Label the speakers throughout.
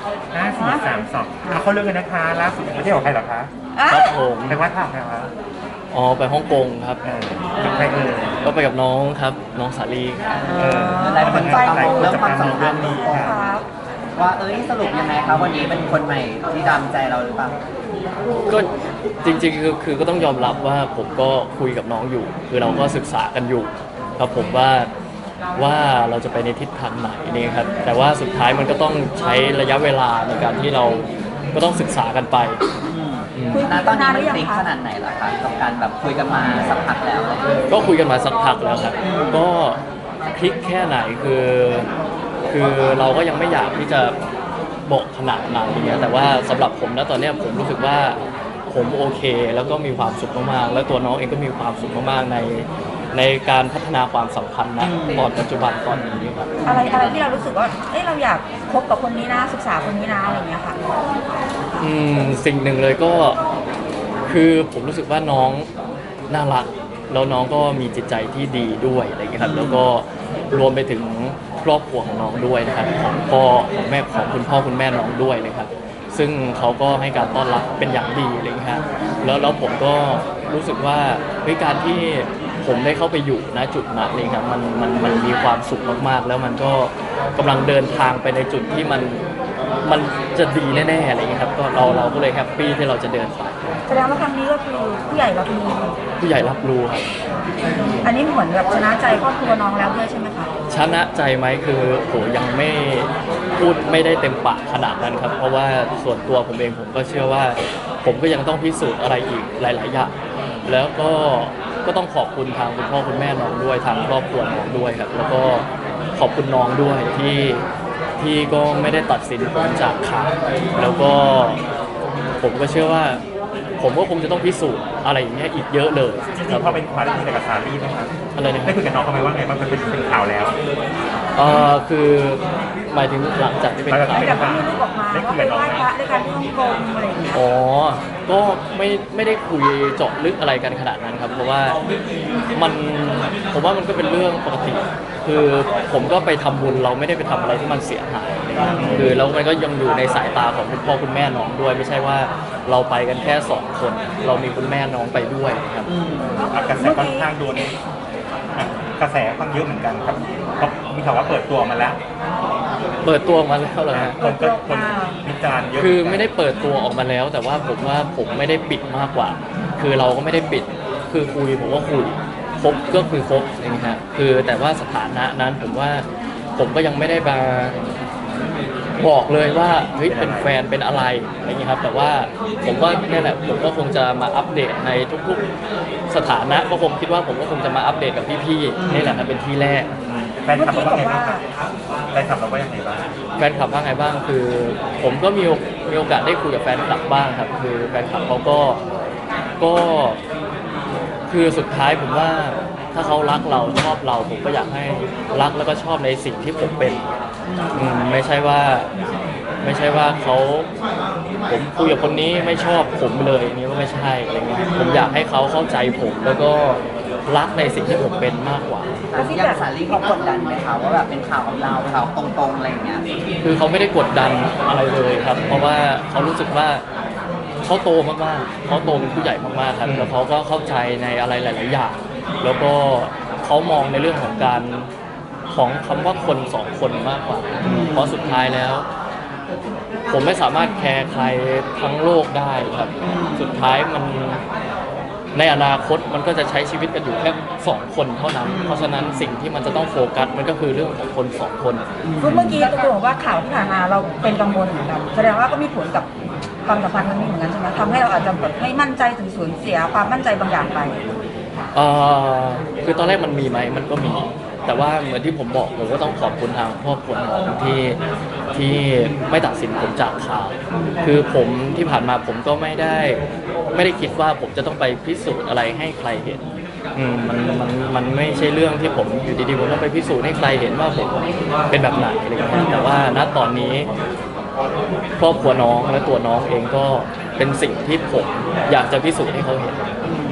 Speaker 1: 5 4 3 2เขาเรื่องกันนะคะล่าสุดไม่ใช่ของใครหรอคะ
Speaker 2: ครับผม
Speaker 1: ไปวัดท่าไหนคะ
Speaker 2: อ๋อไปฮ่องกงครับ
Speaker 1: กับใครเอ่ย
Speaker 2: ก็ไปกับน้องครับน้องสาลีครับ
Speaker 3: หลายคนจับตามองเรื่องความสัมพันธ์
Speaker 1: นี้ค่ะ
Speaker 3: ว่าสรุปยังไงครับวันนี้เป็นคนใหม่ที่ตามใจเราหรือเปล่า
Speaker 2: ก็จริงๆคือก็ต้องยอมรับว่าผมก็คุยกับน้องอยู่ คือเราก็ศึกษากันอยู่ครับผมว่าเราจะไปในทิศทางไหนนี่ครับแต่ว่าสุดท้ายมันก็ต้องใช้ระยะเวลาในการที่เราก็ต้องศึกษากันไป
Speaker 3: ณตอนนี้มันคลิกขนาดไหนล่ะครับกับการแบบคุยกันมาสักพักแล้ว
Speaker 2: ก็คุยกันมาสักพักแล้วครับก็คลิกแค่ไหนคือเราก็ยังไม่อยากที่จะบอกขนาดนั้นอย่างเงี้ยแต่ว่าสำหรับผมนะตอนเนี้ยผมรู้สึกว่าผมโอเคแล้วก็มีความสุขมากๆแล้วตัวน้องเองก็มีความสุขมากๆในการพัฒนาความสัมพันธ์นะตอนปัจจุบันตอนนี้ครับ
Speaker 4: อะไรที่เรารู้สึกว่าเราอยากคบกับคนนี้นะศึกษาคนนี้นะอะไรอย่างเงี้ยค่ะ
Speaker 2: สิ่งหนึ่งเลยก็คือผมรู้สึกว่าน้องน่ารักแล้วน้องก็มีจิตใจที่ดีด้วยอะไรอย่างเงี้ยครับแล้วก็รวมไปถึงครอบครัวของน้องด้วยนะครับของพ่อของแม่ของคุณพ่อคุณแม่น้องด้วยนะครับซึ่งเขาก็ให้การต้อนรับเป็นอย่างดีอะไรอย่างเงี้ยครับแล้วผมก็รู้สึกว่าการที่ผมได้เข้าไปอยู่ณจุดนั้นเลยครับมันมีความสุขมากๆแล้วมันก็กำลังเดินทางไปในจุดที่มันจะดีแน่ๆอะไรอย่างเงี้ยครับก็เราก็เลยแฮปปี้ที่เราจะเดินไป
Speaker 4: แสดงว่าครั้งนี้ก็คือผู้ใหญ่รับรู้
Speaker 2: ผู้ใหญ่รับรู้ครับ
Speaker 4: อันนี้เหมือนแบบชนะใจครอบครัวน้องแล้วด้วยใช่ไหมคะ
Speaker 2: ชนะใจไหมคือโหยังไม่พูดไม่ได้เต็มปากขนาดนั้นครับเพราะว่าส่วนตัวผมเองผมก็เชื่อว่าผมก็ยังต้องพิสูจน์อะไรอีกหลายๆอย่างแล้วก็ต้องขอบคุณทางคุณพ่อคุณแม่น้องด้วยทางครอบครัวน้องด้วยครับแล้วก็ขอบคุณน้องด้วยที่ก็ไม่ได้ตัดสินผมจากข่าวแล้วก็ผมก็เชื่อว่าผมก็คงจะต้องพิสูจน์อะไรอย่างเงี้ยอีกเยอะเลย
Speaker 1: จริงๆพอเป็นข่าวได้คุยกับซารี่ไหมครับ
Speaker 2: อะไรนะค
Speaker 1: ได้
Speaker 2: รับ
Speaker 1: คุยกับน้องเขาไหมว่าไงบ้างมันเป็นข่าวแล้ว
Speaker 2: คือหมายถึงหลังจากที่เป็นข่าว
Speaker 4: แต่ก็มีรูปออกมาว่าไปไหว้พระด้วยกันที่ฮ่องกงอะไรอย่างเงี้ย
Speaker 2: อ๋อ ก็ไม่ได้คุยเจาะลึกอะไรกันขนาดนั้นครับ เพราะว่าผมว่ามันก็เป็นเรื่องปกติ คือผมก็ไปทำบุญเราไม่ได้ไปทำอะไรที่มันเสียหายอะไรเงี้ยคือแล้วมันก็ยังอยู่ในสายตาของคุณพ่อคุณแม่น้องด้วย ไม่ใช่ว่าเราไปกันแค่2 คน เรามีคุณแม่น้องไปด้วยครับ
Speaker 1: กระแสค่อนข้างโดนกระแสค่อนข้างเยอะเหมือนกันครับเพราะมีข่าวว่าเปิดตัวมาแล้ว
Speaker 2: เปิดตัวออกมาแล้วเหรอฮะ
Speaker 1: คนวิจารณ์เยอะ
Speaker 2: คือไม่ได้เปิดตัวออกมาแล้ว แต่ว่าผมไม่ได้ปิดมากกว่า คือเราก็ไม่ได้ปิด คือคุยผมก็คุยคบก็คือคบอย่างเงี้ยฮะคือแต่ว่าสถานะนั้นผมว่าผมก็ยังไม่ได้มาบอกเลยว่าเฮ้ยเป็นแฟนเป็นอะไรอะไรเงี้ยครับแต่ว่าผมก็นี่แหละผมก็คงจะมาอัปเดตในทุกๆสถานะก็คงคิดว่าผมก็คงจะมาอัปเดตกับพี่ๆนี่แหละนะเป็นที่แรก
Speaker 1: แฟนคลับเราว่าไงบ้างครับแฟนคลับเราว่ายังไงบ้าง
Speaker 2: แฟนคลับว่าไงบ้างคือผมก็มีโอกาสได้คุยกับแฟนคลับบ้างครับคือแฟนคลับเขาก็คือสุดท้ายผมว่าถ้าเขารักเราชอบเราผมก็อยากให้รักแล้วก็ชอบในสิ่งที่ผมเป็นไม่ใช่ว่าเขาผมคุยกับคนนี้ไม่ชอบผมเลยนี่ก็ไม่ใช่อะไรเงี้ยผมอยากให้เขาเข้าใจผมแล้วก็รักในสิ่งที่ผมเป็นมากกว่า
Speaker 3: อย่างสาลีเขากดดันไหมคะว่าแบบเป็นข่าวกับเราข่าวตรงๆอะไรอย่างเงี้ย
Speaker 2: คือเขาไม่ได้กดดันอะไรเลยครับ เพราะว่าเขารู้สึกว่าเขาโตมากๆเขาโตเป็นผู้ใหญ่มากๆครับแล้วเขาก็เข้าใจในอะไรหลาย ๆ อย่าง แล้วก็เขามองในเรื่องของการของคำว่าคน2 คนมากกว่า เพราะสุดท้ายแล้ว ผมไม่สามารถแคร์ใครทั้งโลกได้ครับ สุดท้ายมันในอนาคตมันก็จะใช้ชีวิตกันอยู่แค่2 คนเท่านั้น เพราะฉะนั้นสิ่งที่มันจะต้องโฟกัสมันก็คือเรื่องของคน2 คน
Speaker 4: เมื่อกี้ตัวบอกว่าข่าวที่ผ่านมาเราเป็นกังวลเหมือนกันแสดงว่าก็มีผลกับความสัมพันธ์ครั้งนี้เหมือนกันใช่ไหมทำให้เราอาจจะแบบไม่มั่นใจถึงสูญเสียความมั่นใจบางอย่างไป
Speaker 2: คือตอนแรกมันมีไหมมันก็มี แต่ว่าเหมือนที่ผมบอกผมก็ต้องขอบคุณทางครอบครัวน้องที่ไม่ตัดสินผมจากข่าว คือผมที่ผ่านมาผมก็ไม่ได้คิดว่าผมจะต้องไปพิสูจน์อะไรให้ใครเห็นมันไม่ใช่เรื่องที่ผมอยู่ดีๆผมต้องไปพิสูจน์ให้ใครเห็นว่าผมเป็นแบบไหนอะไรอย่างเงี้ยแต่ว่าณตอนนี้ครอบครัวน้องและตัวน้องเองก็เป็นสิ่งที่ผมอยากจะพิสูจน์ให้เขาเห็น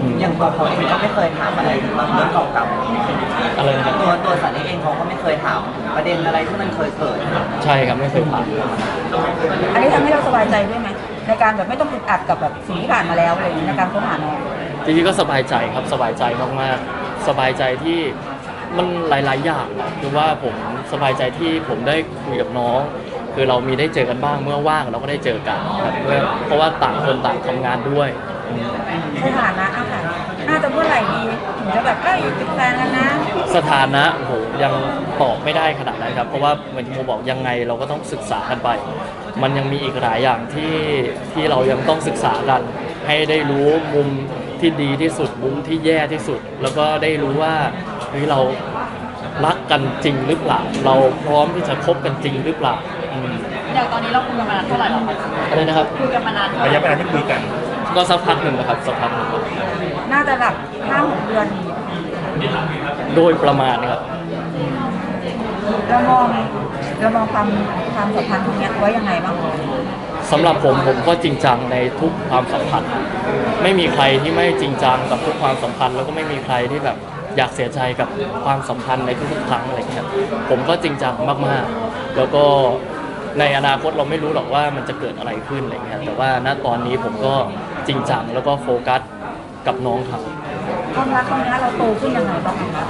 Speaker 3: อย่างตัวเขาเองก็ไม่เคยถามอะไรถึงเรื่องเก่า
Speaker 2: อะไรนะครับ
Speaker 3: ๆตัวสาลีเองเขาก็ไม่เคยถามประเด็นอะไรที่มันเคยเกิด
Speaker 2: ใช่ครับไม่เคยผ่าน
Speaker 4: อันนี้ทำให้เราสบายใจด้วยไหมในการแบบไม่ต้องอึดอัดกับแบบสิ่งที่ผ่านมาแล้วอะไรอย่างนี้ในการค้นหาน้อง
Speaker 2: จริงๆก็สบายใจครับสบายใจมากๆสบายใจที่มันหลายๆอย่างคือว่าผมสบายใจที่ผมได้คุยกับน้อง คือเรามีได้เจอกันบ้างเมื่อว่างเราก็ได้เจอกันครับเพราะว่าต่างคนต่างทำงานด้วย
Speaker 4: สถานะอะค่ะน่าจะเมื่อไหร่ดีถึงจะแบบเป็นแฟนกันนะ
Speaker 2: สถานะโอ้โหยังตอบไม่ได้ขนาดนั้นครับเพราะว่าเหมือนที่โมบอกยังไงเราก็ต้องศึกษากันไป มันยังมีอีกหลายอย่างที่เรายังต้องศึกษากัน ให้ได้รู้มุมที่ดีที่สุดมุมที่แย่ที่สุด แล้วก็ได้รู้ว่าเฮ้ยเรารักกันจริงหรือเปล่า เราพร้อมที่จะคบกันจริงหรือเปล่าอืม
Speaker 5: อย่างตอนนี้เราคุยกันมานานเท่าไหร่แล้วคะ
Speaker 2: อะไรนะครับ
Speaker 5: คุยกันมานานเท่าไห
Speaker 1: ระ
Speaker 5: ร่
Speaker 1: ยะเวลาที่คุยกัน
Speaker 2: ก็สักพักหนึ่งนะครับสักพักหนึ่งครับ
Speaker 4: น่าจะแบบ5-6 เดือน
Speaker 2: โดยประมาณนะครับ
Speaker 4: เรามองความสัมพันธ์ตรงเนี้ยไว้ยังไงบ้าง
Speaker 2: สำหรับผมก็จริงจังในทุกความสัมพันธ์ไม่มีใครที่ไม่จริงจังกับทุกความสัมพันธ์แล้วก็ไม่มีใครที่แบบอยากเสียใจกับความสัมพันธ์ในทุกๆครั้งอะไรอย่างเงี้ยผมก็จริงจังมากๆ แล้วก็ในอนาคตเราไม่รู้หรอกว่ามันจะเกิดอะไรขึ้นอะไรอย่างเงี้ยแต่ว่าณตอนนี้ผมก็จริงจังแล้วก็โฟกัสกับน้องครับ
Speaker 4: ความรักครั้งนี้เราโตขึ้นยังไงบ้างคะ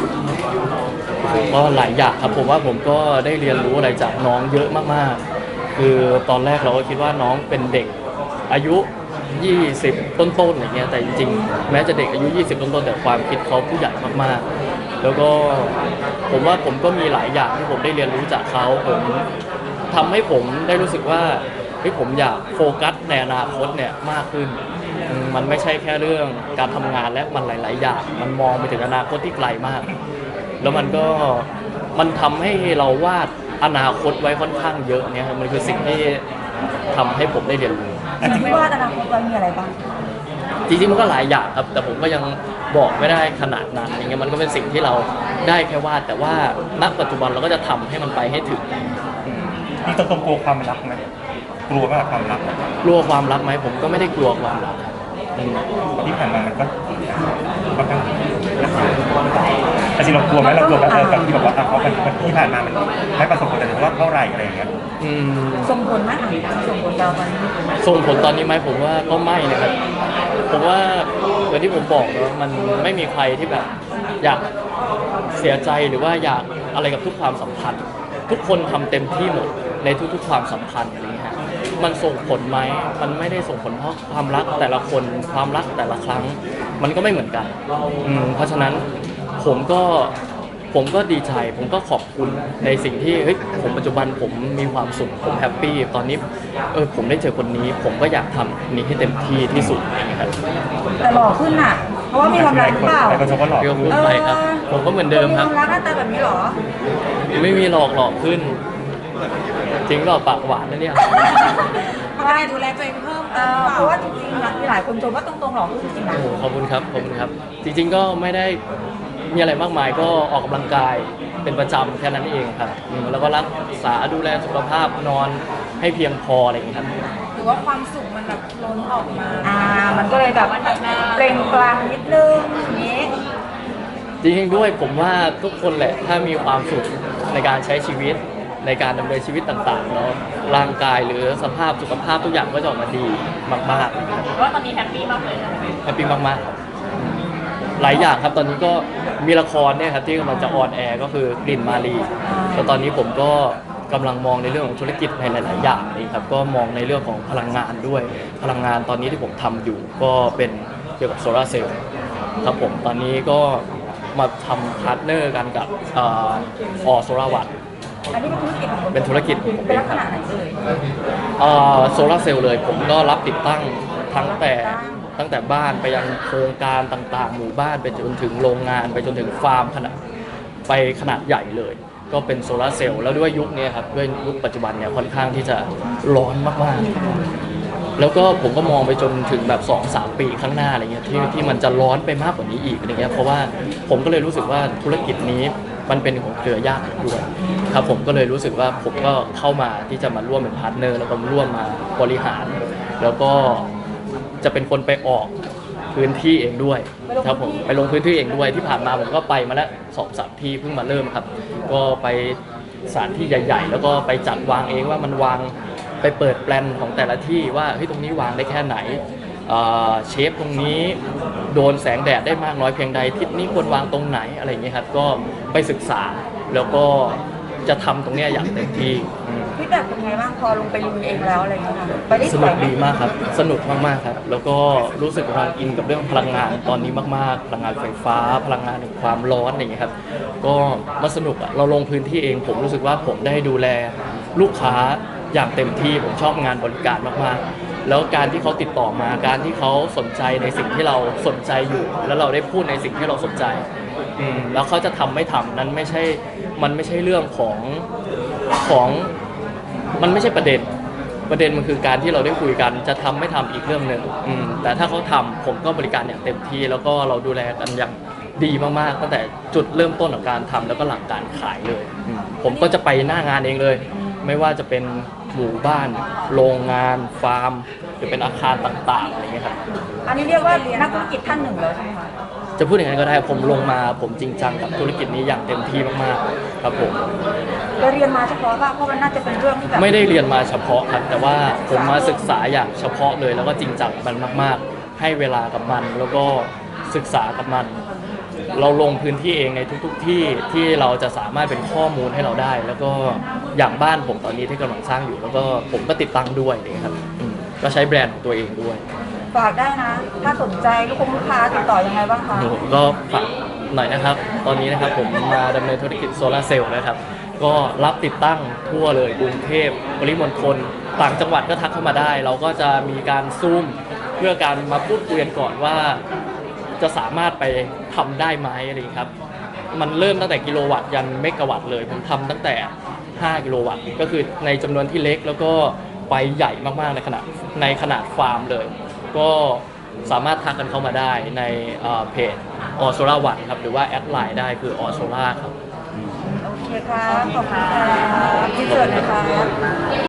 Speaker 2: ก็หลายอย่างครับผมว่าผมก็ได้เรียนรู้อะไรจากน้องเยอะมากๆ คือตอนแรกเราก็คิดว่าน้องเป็นเด็กอายุ 20 ต้นๆอย่างเงี้ยแต่จริงๆแม้จะเด็กอายุ 20 ต้นๆแต่ความคิดเขาผู้ใหญ่มากๆ แล้วก็ผมว่าผมก็มีหลายอย่างที่ผมได้เรียนรู้จากเขาผมทำให้ผมได้รู้สึกว่าเฮ้ยผมอยากโฟกัสในอนาคตเนี่ยมากขึ้นมันไม่ใช่แค่เรื่องการทำงานและมันหลายๆอย่างมันมองไปถึงอนาคตที่ไกลมาก แล้วมันทำให้เราวาดอนาคตไว้ค่อนข้างเยอะเนี่ยครับมันคือสิ่งที่ทำให้ผมได้เรียนรู้
Speaker 4: สิ่งที่ว่าอนาคตเรามีอะไรบ้าง
Speaker 2: จริงๆมันก็หลายอย่างครับ แต่ผมก็ยังบอกไม่ได้ขนาดนั้นอย่างเงี้ยมันก็เป็นสิ่งที่เราได้แค่วาดแต่ว่าณปัจจุบันเราก็จะทำให้มันไปให้ถึง
Speaker 1: นี่ตรงๆกลัวความรักไหมกลัวมากความรัก
Speaker 2: กลัวความรักไหมผมก็ไม่ได้กลัวความรักครับอืม
Speaker 1: ที่ผ่านมามันก็ค่อนข้างแต่จริงเรากลัวไหมเรากลัวกับที่บอกว่าเขาที่ผ่านมามันไม่ประสบผลแต่ว่าเท่าไหร่อะไรอย่างเงี้ย
Speaker 2: อืม
Speaker 4: ส่งผลไหมส่งผลเราตอนนี้
Speaker 2: ส่งผลตอนนี้ไหมผมว่าก็ไม่นะครับผมว่าอย่างที่ผมบอกนะมันไม่มีใครที่แบบอยากเสียใจหรือว่าอยากอะไรกับทุกความสัมพันธ์ ทุกคนทำเต็มที่หมดในทุกๆความสัมพันธ์อะไรอย่างเงี้ยฮะมันส่งผลไหมมันไม่ได้ส่งผลเพราะความรักแต่ละคนความรักแต่ละครั้ง มันก็ไม่เหมือนกันเพราะฉะนั้นผมก็ดีใจผมก็ขอบคุณในสิ่งที่เฮ้ยผมปัจจุบันผมมีความสุขผมแฮปปี้ตอนนี้ผมได้เจอคนนี้ผมก็อยากทำนี้ให้เต็มที่ที่สุดอย่างเงี้ยครับ
Speaker 4: แต่หล่อขึ้นอ่ะ เพราะว่ามีความรักหรือเปล่า
Speaker 1: หลายคนชมว่าหล่อ
Speaker 2: เรียกพูดไปครับ ผมก็เหมือนเดิมครับ
Speaker 4: มีความรักหน้าตาแบบนี้เหรอ
Speaker 2: ไม่มีหลอกขึ้น จริงหรอปากหวานนะเนี่ย
Speaker 5: ปกติดูแลตัวเองเพิ่ม
Speaker 4: เพราะว่าจริงๆมีหลายคนชมว่าตรงๆหล่อขึ้นจริงๆนะ
Speaker 2: โอ้โหขอบคุณครับขอบคุณครับ จริงๆก็ไม่ได้มีอะไรมากมายก็ออกกำลังกายเป็นประจำแค่นั้นเองครับแล้วก็รักษาดูแลสุขภาพนอนให้เพียงพออะไรอย่างเงี้ยครับ
Speaker 5: หรือว่าความสุขมันแบบล้นออกมา
Speaker 4: มันก็เลยแบบเปล่งปลั่งนิดนึงอย่างนี้
Speaker 2: จริงๆด้วยผมว่าทุกคนแหละถ้ามีความสุขในการใช้ชีวิตในการดำเนินชีวิตต่างๆเนาะร่างกายหรือสภาพสุขภาพทุกอย่างก็จะออกมาดีมากๆ
Speaker 5: ว่าตอนนี้แฮปปี้มากเลย
Speaker 2: แฮปปี้มากๆครับหลายอย่างครับตอนนี้ก็มีละครเนี่ยครับที่กำลังจะออนแอร์ก็คือกลิ่นมาลีแล้วตอนนี้ผมก็กำลังมองในเรื่องของธุรกิจในหลาย ๆ อย่างนี่ครับก็มองในเรื่องของพลังงานด้วยพลังงานตอนนี้ที่ผมทำอยู่ก็เป็นเกี่ยวกับโซลาร์เซลล์ครับผมตอนนี้ก็มาทำพาร์ทเนอร์กันกับโซลาร์วัต
Speaker 4: อันนี้เป็นธุรกิจของผม
Speaker 2: เป็นธุรกิจของผม
Speaker 4: เป็นลักษณะไหน
Speaker 2: โซลาร์เซลล์เลยผมก็รับติดตั้งตั้งแต่บ้านไปยังโครงการต่างๆ หมู่บ้านไปจนถึงโรงงานไปจนถึงฟาร์มขนาดใหญ่เลย ก็เป็นโซลาร์เซลล์แล้วด้วยยุคนี้ครับด้วยยุคปัจจุบันเนี่ยค่อนข้างที่จะร้อนมากๆแล้วก็ผมก็มองไปจนถึงแบบ 2-3 ปีข้างหน้าอะไรเงี้ยที่มันจะร้อนไปมากกว่านี้อีกอะไรเงี้ยเพราะว่าผมก็เลยรู้สึกว่าธุรกิจนี้มันเป็นของเครือญาติด้วยครับผมก็เลยรู้สึกว่าผมก็เข้ามาที่จะมาร่วมเป็นพาร์ทเนอร์แล้วก็ร่วมมาบริหาร แล้วก็จะเป็นคนไปออกพื้นที่เองด้วยครับผมไปลงพื้นที่เองด้วยที่ผ่านมาผมก็ไปมาแล้ว2-3 ที่เพิ่งมาเริ่มครับ ก็ไปสถานที่ใหญ่ ๆ แล้วก็ไปจัดวางเองว่ามันวางไปเปิดแปลนของแต่ละที่ว่าเฮ้ยตรงนี้วางได้แค่ไหนเชฟตรงนี้โดนแสงแดดได้มากน้อยเพียงใดทิศนี้ควรวางตรงไหนอะไรอย่างเงี้ยครับก็ไปศึกษาแล้วก็จะทำตรงเนี้ยอย่างเต็มที่
Speaker 4: พี่แบบเป็นไงบ้างพอลงไปลุยเองแล้วอะไรอย่างเงี้ยค่ะไปได้
Speaker 2: ส
Speaker 4: ส
Speaker 2: นุ
Speaker 4: วย
Speaker 2: ก
Speaker 4: ไหม
Speaker 2: ดีมากครับสนุกมากๆครับแล้วก็รู้สึกกำลังอินกับเรื่องพลังงานตอนนี้มากๆพลังงานไฟฟ้าพลังงานแห่งความร้อนอะไรอย่างเงี้ยครับก็มาสนุกอะเราลงพื้นที่เองผมรู้สึกว่าผมได้ดูแลลูกค้าอย่างเต็มที่ผมชอบงานบริการมากๆแล้วการที่เขาติดต่อมาการที่เขาสนใจในสิ่งที่เราสนใจอยู่ แล้วเราได้พูดในสิ่งที่เราสนใจแล้วเขาจะทำไม่ทำนั้นไม่ใช่มันไม่ใช่เรื่องของมันไม่ใช่ประเด็นมันคือการที่เราได้คุยกันจะทำไม่ทำอีกเรื่องหนึ่งแต่ถ้าเขาทำผมก็บริการอย่างเต็มที่แล้วก็เราดูแลกันอย่างดีมากๆตั้งแต่จุดเริ่มต้นของการทำแล้วก็หลังการขายเลยผมก็จะไปหน้างานเองเลยไม่ว่าจะเป็นหมู่บ้านโรงงานฟาร์มหรือเป็นอาคารต่างๆอะไรเงี้ยครับ
Speaker 4: อันนี้เรียกว่านักธุรกิจท่านหนึ่งเลยใช่ไหมคะ
Speaker 2: จะพูดอย่างนั้นก็ได้ผมลงมาผมจริงจังกับธุรกิจนี้อย่างเต็มที่มากๆครับผม
Speaker 4: เราเรียนมาเฉพาะว่าเพราะมันน่าจะเป็นเรื่องที่แบบ
Speaker 2: ไม่ได้เรียนมาเฉพาะครับแต่ว่าผมมาศึกษาอย่างเฉพาะเลยแล้วก็จริงจังกับมันมากๆ ให้เวลากับมันแล้วก็ศึกษากับมัน เราลงพื้นที่เองในทุกๆที่ที่เราจะสามารถเป็นข้อมูลให้เราได้ แล้วก็อย่างบ้านผมตอนนี้ที่กำลังสร้างอยู่แล้วก็ผมก็ติดตั้งด้วยเลยครับก็ใช้แบรนด์ของตัวเองด้วย
Speaker 4: ฝากได้นะ ถ้าสนใจลูกค้าติดต่อยังไงบ้างคะ
Speaker 2: ก็ฝากหน่อยนะครับ ตอนนี้นะครับผมมาดำเนินธุรกิจโซลาร์เซลล์นะครับ ก็รับติดตั้งทั่วเลยกรุงเทพปริมณฑลต่างจังหวัดก็ทักเข้ามาได้ เราก็จะมีการซูมเพื่อการมาพูดคุยกันก่อนว่าจะสามารถไปทำได้ไหมอะไรครับ มันเริ่มตั้งแต่กิโลวัตต์ยันเมกะวัตต์เลยผมทำตั้งแต่5กิโลวัตต์ก็คือในจำนวนที่เล็กแล้วก็ไปใหญ่มากๆในขนาดฟาร์มเลย ก็สามารถทักกันเข้ามาได้ในเพจออโซล่าวันครับหรือว่าแอดไลน์ได้คือออโซล่าครับ
Speaker 4: โอเคครับขอบคุณค่ะที่เชิญเลยค่ะ